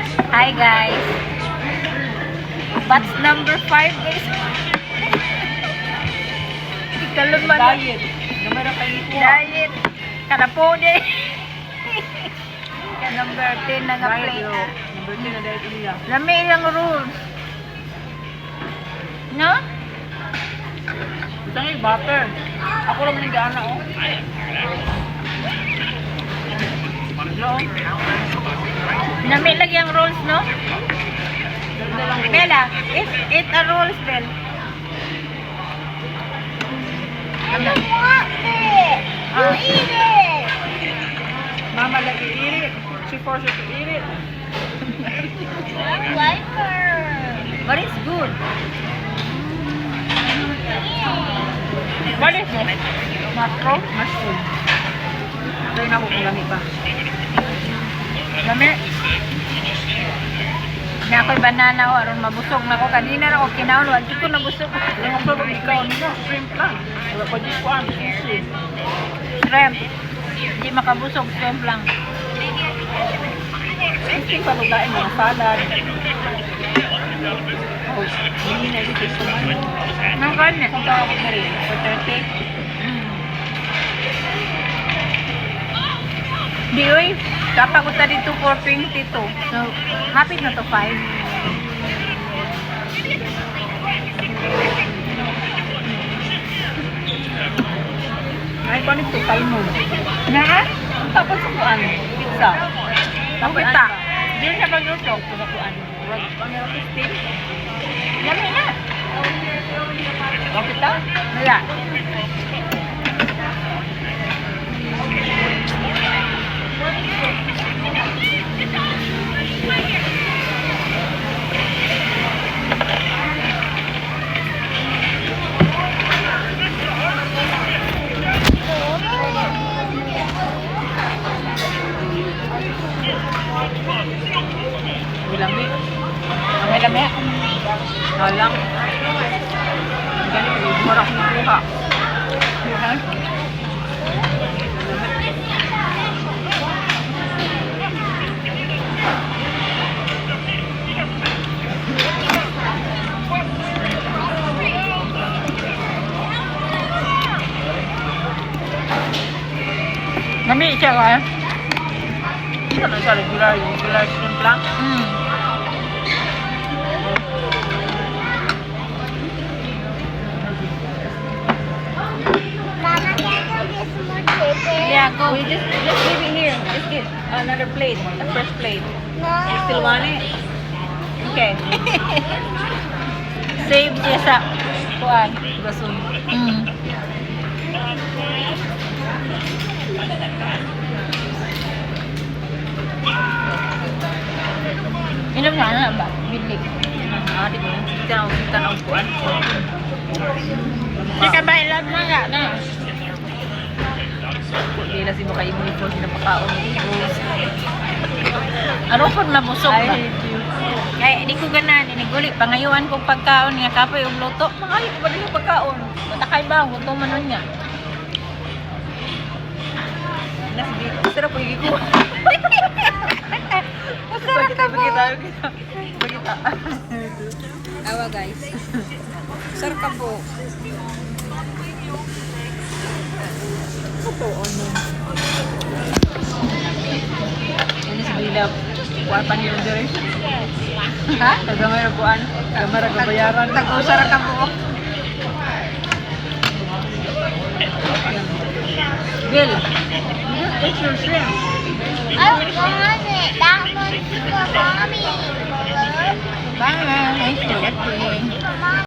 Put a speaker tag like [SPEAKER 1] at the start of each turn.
[SPEAKER 1] Hi guys. Batch number 5 guys. Ikalon man.
[SPEAKER 2] Diet. Gamay ra kayo ko.
[SPEAKER 1] Diet. Kada po di. Ka number 10 na nga play.
[SPEAKER 2] Number 10 na diet niya.
[SPEAKER 1] Lami ilang rules. No?
[SPEAKER 2] Ito nga yung butter. Ako lang yung gaana oh.
[SPEAKER 1] Lami lagi ang rules, no? Bella, eat a rules, Bella.
[SPEAKER 3] I don't want it. You eat it.
[SPEAKER 2] Mama lagi eat it. She forced her to eat it.
[SPEAKER 3] I like her.
[SPEAKER 1] But it's good. What is it? Mushroom?
[SPEAKER 2] Mushroom. Try na ako kung lami pa.
[SPEAKER 1] Lami. Na ako'y banana o, aron mabusog na ako. Kanina na ako kinaon, hindi ko nabusog.
[SPEAKER 2] Yung ako ba ikaw nino? Shrimp lang. Wala pa di ko ang sushi.
[SPEAKER 1] Shrimp. Hindi makabusog, shrimp lang.
[SPEAKER 2] Gusto yung palugain mga salad. Oh, hindi na dito sa mga.
[SPEAKER 1] Nang kanin.
[SPEAKER 2] Kung tawag ko na rin, for 30.
[SPEAKER 1] Di, uy. Kapag ko dito for 22. So, happy na to 5.
[SPEAKER 2] Ay, paano ito? Kalmo.
[SPEAKER 1] Na?
[SPEAKER 2] Tapos sa kuan, pizza.
[SPEAKER 1] Ang kita. Di siya pagluto.
[SPEAKER 2] Sa kuan. Ano yung steam?
[SPEAKER 1] Lami na.
[SPEAKER 2] Ang kita?
[SPEAKER 1] Wala.
[SPEAKER 2] May lami. May lami. Halang. Ganito, marap na kuha. Yan.
[SPEAKER 1] Lami siya ka.
[SPEAKER 2] Ito na siya regular, yung regular shrimp lang.
[SPEAKER 3] Mama, can you get some more chicken?
[SPEAKER 1] Yeah, go.
[SPEAKER 2] We just leave it here. Just get another plate, a fresh plate.
[SPEAKER 3] No.
[SPEAKER 2] You still want it? Okay.
[SPEAKER 1] Save siya sa kuan.
[SPEAKER 2] Gasun.
[SPEAKER 1] Inom na ba? Bilig.
[SPEAKER 2] Ah, di ko. Kita na ang kuan.
[SPEAKER 1] Di ka ba ilag na nga na?
[SPEAKER 2] Hindi na si Maka Ibu Ipo sinapakaon.
[SPEAKER 1] Ano pag nabusog
[SPEAKER 2] I
[SPEAKER 1] ba?
[SPEAKER 2] hate you.
[SPEAKER 1] Kaya di ko ganan, iniguli. Pangayuan kong pagkaon nga kapoy yung luto.
[SPEAKER 2] Makayot ba din yung pagkaon?
[SPEAKER 1] Matakay ba? Gusto man nun niya.
[SPEAKER 2] Sarap po yung ko.
[SPEAKER 1] Masarap ka po.
[SPEAKER 2] Bagita.
[SPEAKER 1] Awa guys. Masarap ka po.
[SPEAKER 2] Ito, ano? Ano si Bilab? Kuhaan pa niyo dire?
[SPEAKER 1] Ha?
[SPEAKER 2] Tagamay na kuhaan. Tagamay na kabayaran.
[SPEAKER 1] Tag-usara ka po.
[SPEAKER 2] Bill, it's your shrimp.
[SPEAKER 3] I want it. That one's for mommy.
[SPEAKER 1] Bye. Thanks for watching.
[SPEAKER 3] Mama.